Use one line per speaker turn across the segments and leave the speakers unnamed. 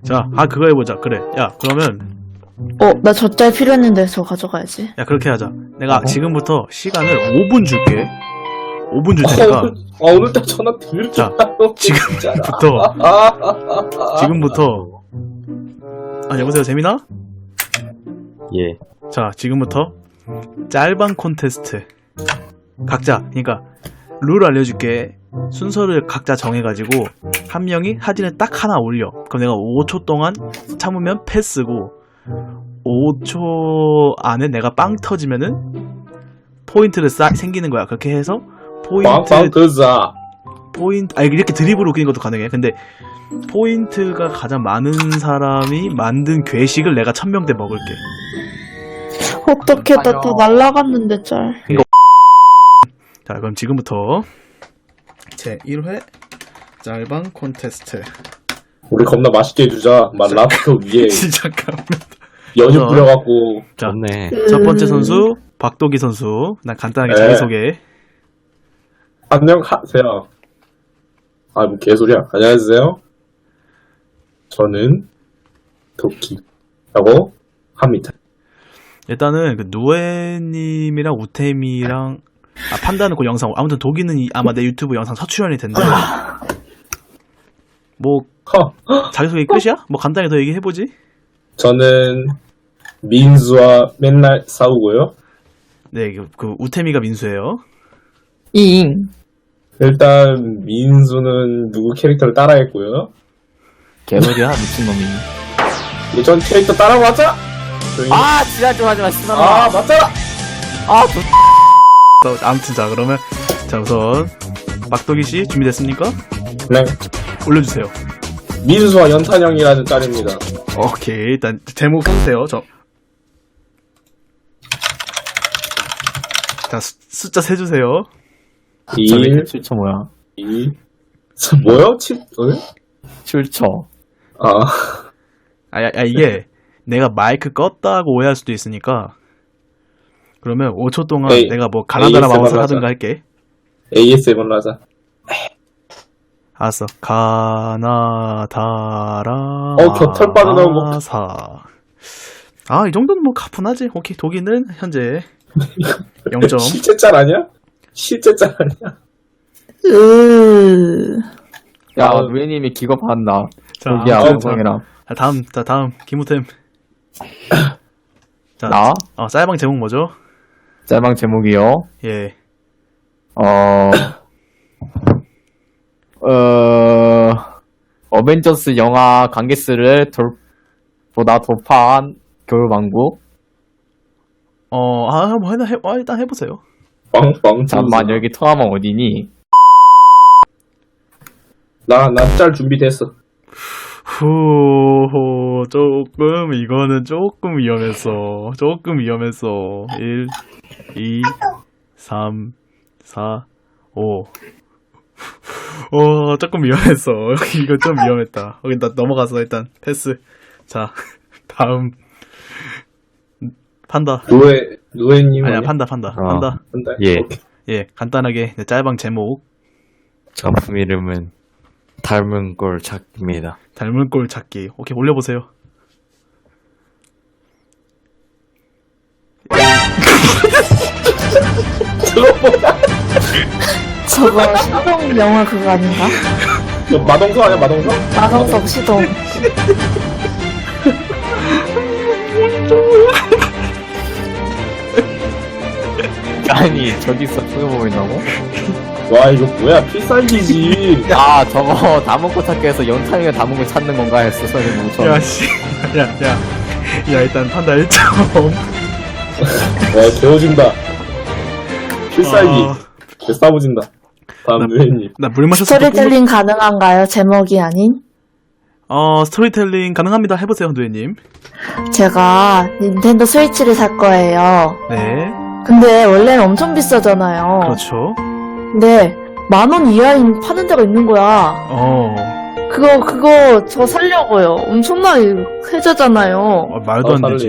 자, 그거 해보자. 그래. 야, 그러면
나 젖잘 필요했는데 저 가져가야지.
야, 그렇게 하자. 내가 지금부터 시간을 5분 줄게. 5분 줄 테니까.
오늘따라 전화 드릴 줄
자, 지금부터. 여보세요, 재민아?
예.
자, 지금부터 짤방 콘테스트. 각자, 그러니까 룰 알려줄게. 순서를 각자 정해가지고 한 명이 사진을 딱 하나 올려. 그럼 내가 5초 동안 참으면 패스고 5초 안에 내가 빵 터지면은 포인트를 생기는 거야. 그렇게 해서 이렇게 드립으로 웃기는 것도 가능해. 근데 포인트가 가장 많은 사람이 만든 괴식을 내가 1000명대 먹을게.
어떻게 나 다 날라갔는데 짤.
자, 그럼 지금부터 제 1회 짤방 콘테스트.
우리 겁나 맛있게 해주자. 랍스터 위에
시작하면
연유 뿌려갖고.
자,
좋네.
첫 번째 선수 박도기 선수. 난 간단하게
네.
자기소개.
안녕하세요. 뭐 개소리야. 안녕하세요. 저는 도끼라고 합니다.
일단은 그 노예님이랑 우템이랑 판다는 그 영상, 아무튼 도기는 아마 내 유튜브 영상 첫 출연일 텐데 뭐 자기소개 끝이야? 뭐 간단히 더 얘기해보지.
저는 민수와 맨날 싸우고요.
네, 그 우템이가 민수예요.
잉.
일단 민수는 누구 캐릭터를 따라했고요.
개소리야 미친놈이.
예전 캐릭터 따라 맞아.
아 지랄 좀 하지마 씨발.
맞잖아.
아무튼 자, 그러면 자, 우선 박도기씨 준비됐습니까?
네.
올려주세요.
민수와 연탄형이라는 짤입니다.
오케이, 일단 제목 써주세요. 자, 숫자 세주세요.
1,
7초 뭐야?
2, 뭐요? 7,
7초.
이게 내가 마이크 껐다고 오해할 수도 있으니까 그러면 5초 동안 내가 뭐 가나다라 마우스 하든가 할게.
ASMR로 하자.
알았어. 가나다라
겨털 빠져나온 거.
마사. 이 정도는 뭐 가뿐하지. 오케이, 독일은 현재 0점.
실제 짤 아니야? 실제 짤 아니야?
야 루이님이 기거 받나?
자,
여기야 방송이랑.
다음 김우템. 자,
나?
짤방 제목 뭐죠?
짤방 제목이요.
예.
어벤져스 영화 관계스를 보다 돌파한 겨울왕국.
일단 해보세요.
빵빵.
잠만 여기 통화만 어디니?
나 짤 준비됐어.
이거는 조금 위험했어. 1, 2, 3, 4, 5. 조금 위험했어. 이거 좀 위험했다. 일단 넘어가서 일단 패스. 자, 다음. 판다.
노예님.
아니야, 판다.
예.
예, 간단하게 짤방 제목.
작품 이름은 닮은 꼴 찾기입니다.
닮은 꼴 찾기. 오케이, 올려보세요.
저거 시동 영화 그거 아닌가?
마동석 아니야, 마동석?
마성석 시동.
아니 저기서 그거 보인다고?
와, 이거 뭐야, 필살기지.
저거 다문고 찾기에서 연탄이가 다문고 찾는 건가 했어 소리 뭉쳐.
야, 씨. 야, 일단 판다 1점.
와, 개워진다. 필살기. 개싸워진다. 다음 노예님.
나 물 마셨어.
스토리텔링 가능한가요? 제목이 아닌?
스토리텔링 가능합니다. 해보세요, 누에님.
제가 닌텐도 스위치를 살 거예요.
네.
근데 원래는 엄청 비싸잖아요.
그렇죠.
근데 10,000원 이하인 파는 데가 있는 거야. 그거 저 살려고요. 엄청나게 혜자잖아요.
말도 안
살래.
되지.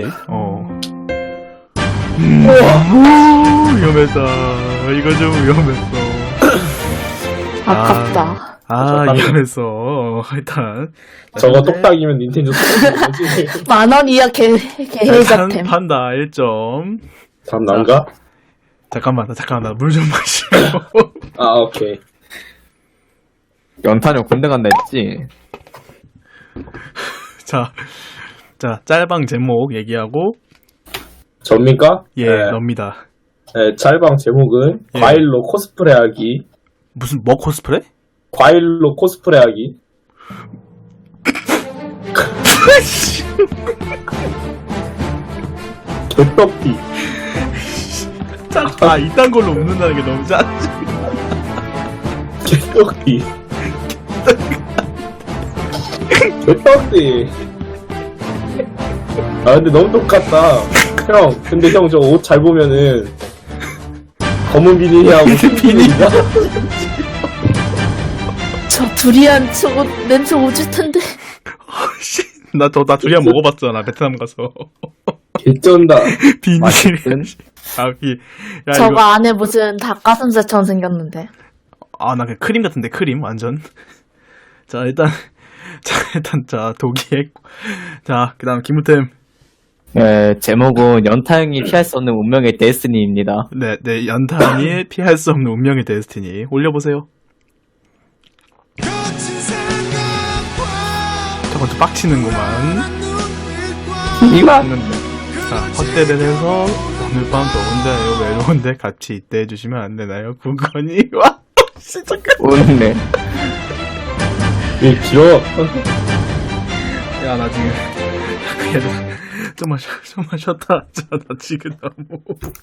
위험했다. 이거 좀 위험했어.
아깝다.
이러면서 일단
저거 똑딱이면 닌텐도 똑딱이지.
10,000원 이하 개해자템.
판다 1점.
다음 난가?
잠깐만 나 물 좀 마시고.
아 오케이.
연탄이 군대 간다 했지?
자 짤방 제목 얘기하고
접니까?
예
네.
놉니다.
네, 짤방 제목은
예.
과일로 코스프레하기.
무슨 뭐 코스프레?
과일로 코스프레하기. 개떡기.
이딴 걸로 웃는다는 게 너무 짜증.
개떡기. 개떡기. 아 근데 너무 똑같다. 형, 근데 형 저 옷 잘 보면은 검은 비닐이하고 흰 비닐이야.
저 두리안 저거 냄새 오질 텐데.
나 두리안 먹어봤잖아 베트남 가서.
개쩐다.
비닐.
맛있든?
야
저거
이거
안에 무슨 닭가슴살처럼 생겼는데.
나 그 크림 같은데 크림 완전. 자 일단 독이의 그다음 김우템.
네, 제목은 연탄이 피할 수 없는 운명의 데스티니입니다.
네 연탄이 피할 수 없는 운명의 데스티니 올려보세요. 저건 좀 빡치는구만.
이거 맞는데.
자 헛되를 해서 오늘 밤 더운데요 외로운데 같이 있대 해주시면 안 되나요? 구건이 와 진짜
웃네.
이 길어.
야나 지금 좀만 쉬었다 하자. 나 지금 너무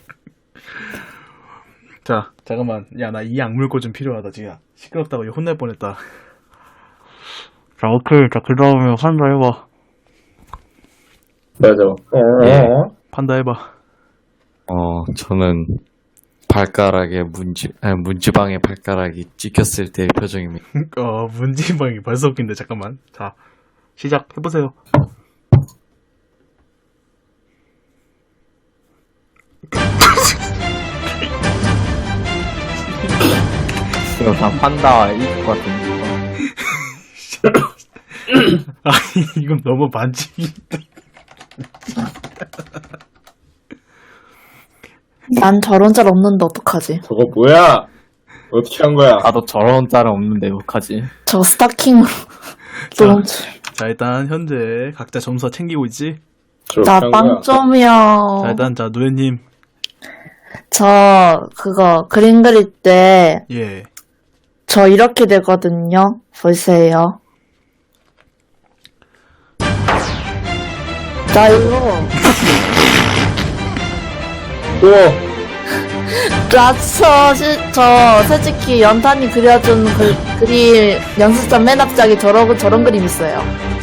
자 잠깐만 야 나 이 악물고 좀 필요하다 지금 시끄럽다고 이거 혼날 뻔했다. 자 오케이 자 그 다음에 판다 해봐.
맞아.
예.
판다 해봐.
저는 발가락에 문지방에 발가락이 찍혔을 때의 표정입니다.
문지방이 벌써 웃긴데 잠깐만. 자 시작 해보세요.
이거 다 판다와 이것 같은
아니 이건 너무 반칙이.
난 저런 짤 없는데 어떡하지?
저거 뭐야? 어떻게 한 거야?
나도 저런 짤은 없는데 어떡하지?
저 스타킹으로 너무
자 일단 현재 각자 점수가 챙기고 있지.
저렇게
나
한 거야?
빵점이야.
자 일단 노래님
저 그거 그림 그릴 때 저
예.
이렇게 되거든요. 보세요. 나 이거
우와.
저 솔직히 연탄이 그려준 그림 연습장 맨 앞장에 저런 그림 있어요.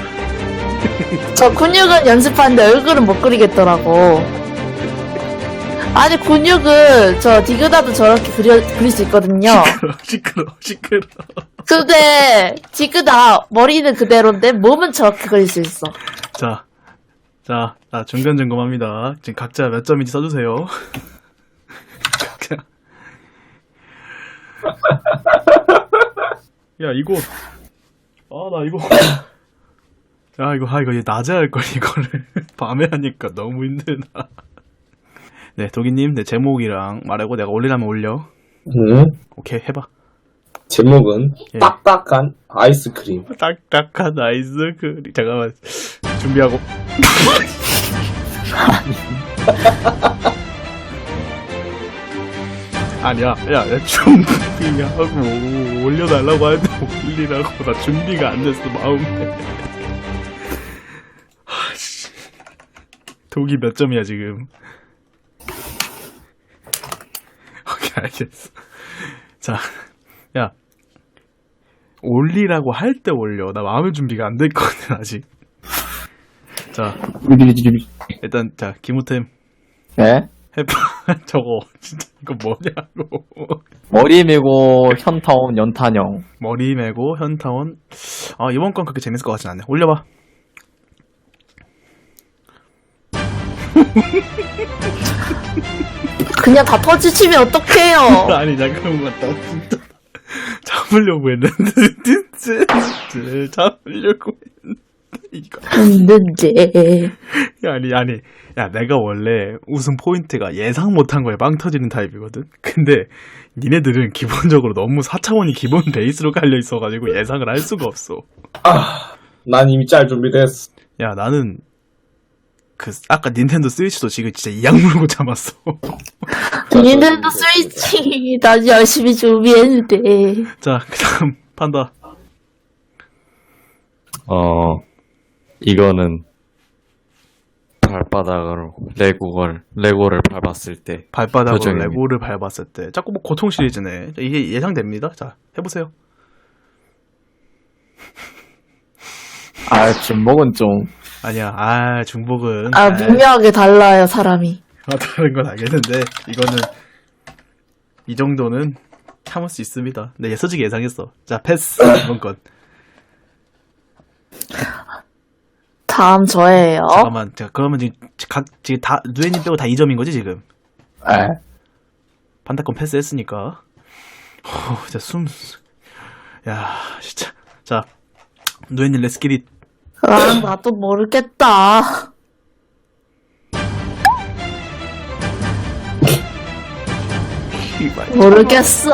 저 근육은 연습하는데 얼굴은 못 그리겠더라고. 아니 근육은 저 디그다도 저렇게 그릴 수 있거든요.
시끄러.
근데 디그다 머리는 그대로인데 몸은 저렇게 그릴 수 있어.
자, 중간 점검합니다. 지금 각자 몇 점인지 써주세요. 각자. 야, 이거. 나 이거. 야, 이거 얘 낮에 할 걸, 이거를. 밤에 하니까 너무 힘들다. 네, 도기님, 내 제목이랑 말하고 내가 올리라면 올려.
응?
오케이, 해봐.
제목은
예.
딱딱한 아이스크림.
딱딱한 아이스크림. 잠깐만. 준비하고. 아니야, 준비하고 올려달라고 하는데 올리라고. 나 준비가 안 됐어, 마음에. 독이 몇 점이야, 지금? 오케이, 알겠어. 자, 야. 올리라고 할 때 올려. 나 마음의 준비가 안 됐거든, 아직. 자, 일단, 김우템.
네?
해봐. 저거, 진짜, 이거 뭐냐고.
머리 메고 현타온 연탄형.
머리 메고, 현타원. 이번 건 그렇게 재밌을 것 같진 않네. 올려봐.
그냥 다 터지치면 어떡해요.
아니, 잠깐만, 나 진짜. 잠깐만. 잡으려고 했는데 잡으려고 했는데 이거
했는데.
아니 야 내가 원래 웃음 포인트가 예상 못한 거에 빵 터지는 타입이거든. 근데 니네들은 기본적으로 너무 4차원이 기본 베이스로 깔려 있어가지고 예상을 할 수가 없어.
난 이미 짤 준비됐어.
야 나는 아까 닌텐도 스위치도 지금 진짜 이악 물고 참았어.
닌텐도 스위치 나 열심히 준비했는데.
자 그다음 판다.
이거는 발바닥으로 레고를 밟았을 때
발바닥으로
표정입니다.
레고를 밟았을 때 자꾸 뭐 고통 시리즈네. 이게 예상됩니다. 자 해보세요.
아, 진목은 좀.
아니야 중복은
미묘하게 달라요, 사람이.
다른 건 알겠는데 이거는 이 정도는 참을 수 있습니다. 네 솔직히 예상했어. 자 패스. 이번 건
다음 저예요.
잠깐만. 자 그러면 지금 다 누에님 빼고 다 2점인 거지 지금?
에.
판다권 패스했으니까. 진짜 야 진짜. 자 누에님 렛츠기릿.
나도 모르겠다. 모르겠어.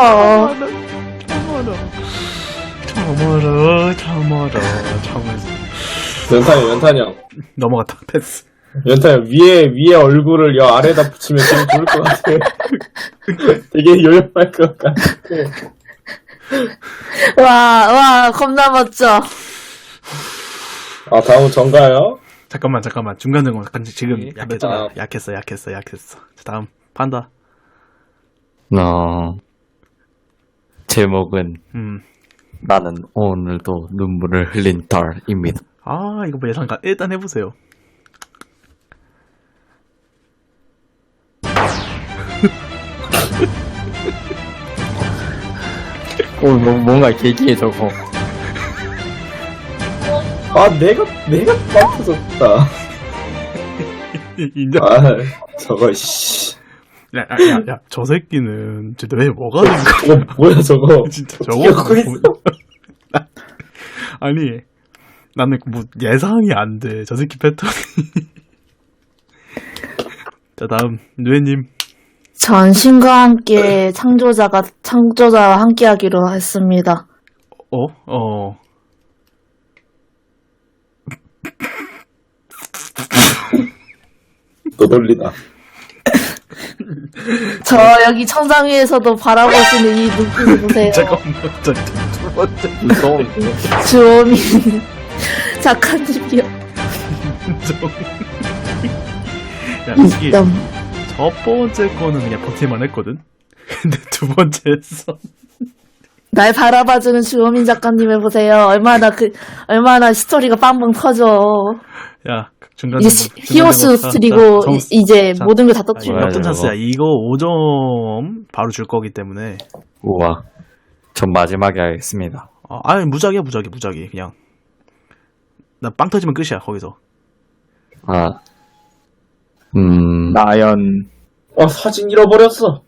참어라.
연탄이 형.
넘어갔다. 패스.
연탄이 형, 위에 얼굴을 여 아래에다 붙이면 되게 좋을 것 같아. 되게 요염할 것 같아.
와, 겁나 멋져.
다음은 전가요?
잠깐만 중간중간 지금
예.
약했어. 자, 다음 판다.
제목은 나는 오늘도 눈물을 흘린 달입니다.
이거 뭐 예상가 일단 해보세요.
뭔가 계기에 저거.
내가 빵 터졌다.
인정.
저거, 씨.
야, 저 새끼는 진짜 왜 뭐가 된 거야?
뭐야, 저거.
진짜
기억하고
저거.
있어.
아니, 나는 뭐 예상이 안 돼. 저 새끼 패턴이. 자, 다음 누에님.
전 신과 함께 창조자와 함께하기로 했습니다.
너돌리다.
저 여기 천상 위에서도 바라보시는 이 눈빛을 보세요.
잠깐만,
무서운데.
주호민 작가님이요.
야, 솔직히
점.
첫 번째 거는 그냥 버틸만 했거든? 근데 두 번째 했어.
날 바라봐주는 주호민 작가님을 보세요. 얼마나 스토리가 빵빵 터져.
야, 중간
이제 히오스 스트리고 이제
자,
모든 걸 다
이거
터트려.
뭐야,
역전
저거.
찬스야. 이거 5점 바로 줄 거기 때문에.
우와. 전 마지막에 하겠습니다.
무작이야. 그냥. 나 빵 터지면 끝이야, 거기서.
나연.
사진 잃어버렸어.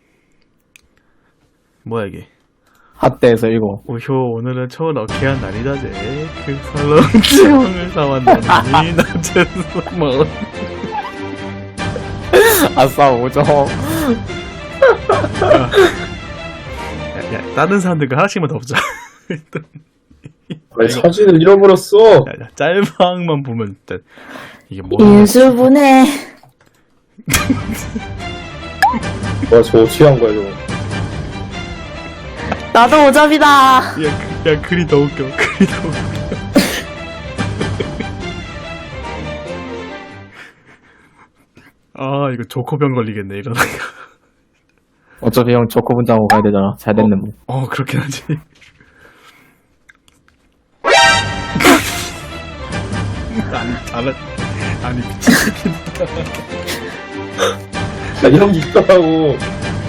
뭐야, 이게.
핫대에서 이거.
오효, 오늘은 초원 어케한 날이다제. 그 설렁탕을 사왔더니, 낮에서 먹었.
아싸, 5점.
야, 다른 사람들과 하나씩만 더 보자.
사진을 잃어버렸어.
야, 짤방만 보면 일단 이게 뭐야?
인수분해.
저거 어떻게 한 거야, 저거.
나도 5점이다.
야, 글이 더 웃겨. 이거 조커병 걸리겠네, 이러다가.
어차피 형 조커 분장하고 가야 되잖아. 잘 됐네, 뭐.
그렇긴 하지. 아니, 미치겠다.
이런 게 있더라고.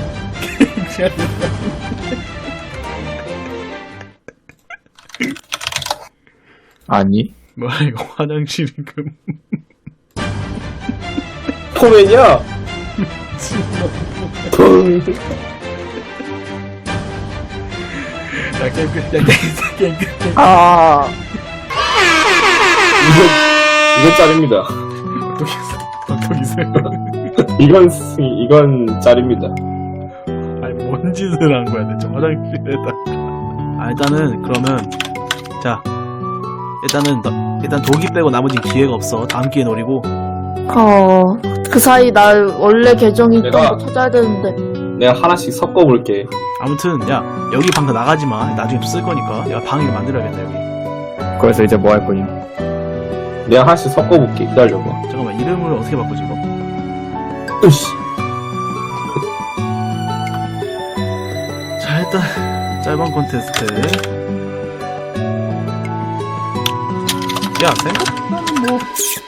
아니.
뭐야, 이거 화장실이
포맨이야?
야, 게임 끝. 야, 게임 끝.
아,
이건 짤입니다.
어떡이세요?
이건 짤입니다.
아니, 뭔 짓을 한 거야, 대체 화장실에다. 아, 일단은, 그러면, 자. 일단 독이 빼고 나머지 기회가 없어. 다음 기회 노리고.
그 사이 나 원래 계정이 있던
내가-
거 찾아야 되는데.
내가 하나씩 섞어볼게.
아무튼, 야, 여기 방 다 나가지 마. 나중에 또 쓸 거니까. 내가 방을 만들어야겠다, 여기.
그래서 이제 뭐 할 거임?
내가 하나씩 섞어볼게. 기다려봐.
잠깐만, 이름을 어떻게 바꾸지, 이거?
으씨.
자, 일단, 짤방 콘테스트. 야, 생각보다는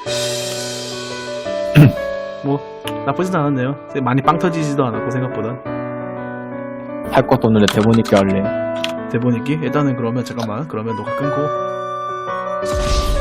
뭐, 나쁘진 않았네요. 많이 빵 터지지도 않았고, 생각보다.
할 것도 없는데 대본 읽기 할래.
대본 읽기? 일단은 그러면, 잠깐만. 그러면 녹화 끊고.